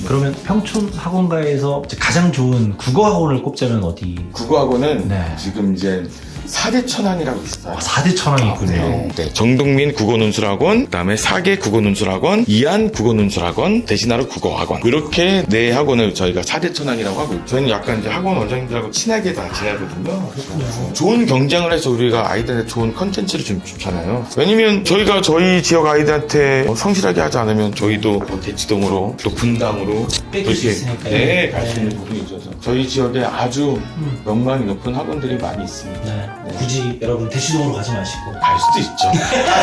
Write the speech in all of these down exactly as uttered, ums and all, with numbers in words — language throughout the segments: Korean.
그러면 평촌 학원가에서 가장 좋은 국어 학원을 꼽자면 어디? 국어학원은 네. 지금 이제 사 대 천왕이라고 있어요. 아, 사 대 천왕이 있군요. 네. 네. 정동민 국어논술학원, 그다음에 사계 국어논술학원, 이한 국어논술학원, 대신하루 국어학원. 이렇게 네 학원을 저희가 사 대 천왕이라고 하고 있죠. 저희는 약간 이제 학원 원장님들하고 친하게 다 지내거든요. 좋은 경쟁을 해서 우리가 아이들한테 좋은 컨텐츠를 좀 주잖아요. 왜냐면 저희가 저희 지역 아이들한테 성실하게 하지 않으면 저희도 뭐 대치동으로 또 분당으로 뺏길 수 있으니까요. 네, 갈 수 네. 있는 부분이 있어서 저희 지역에 아주 음. 명망이 높은 학원들이 많이 있습니다. 네. 굳이 여러분 대치동으로 가지 마시고. 갈 수도 있죠.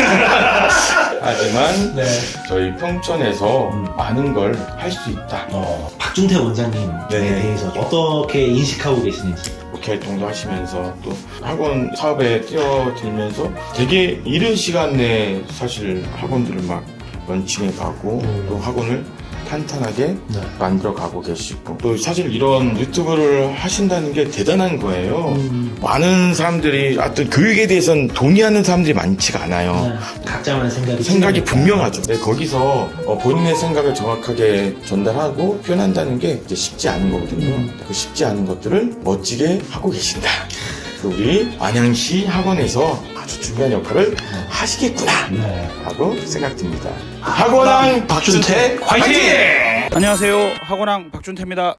하지만 네. 저희 평촌에서 음. 많은 걸 할 수 있다. 어, 박준태 원장님에 네. 대해서 어떻게 인식하고 계시는지. 국회 활동도 하시면서 또 학원 사업에 뛰어들면서 되게 이른 시간 내에 사실 학원들을 막 런칭해 가고 음. 또 학원을 탄탄하게 네. 만들어 가고 계시고 또 사실 이런 유튜브를 하신다는 게 대단한 거예요. 음. 많은 사람들이 어떤 교육에 대해서는 동의하는 사람들이 많지가 않아요. 네. 각자만의 생각이 생각이 틀리니까. 분명하죠. 네, 거기서 어, 본인의 생각을 정확하게 전달하고 표현한다는 게 이제 쉽지 않은 거거든요. 음. 그 쉽지 않은 것들을 멋지게 하고 계신다. 그래서 우리 안양시 학원에서 아주 중요한 역할을 하시겠구나 네. 하고 생각됩니다. 학원왕 박준태 화이팅! 안녕하세요. 학원왕 박준태입니다.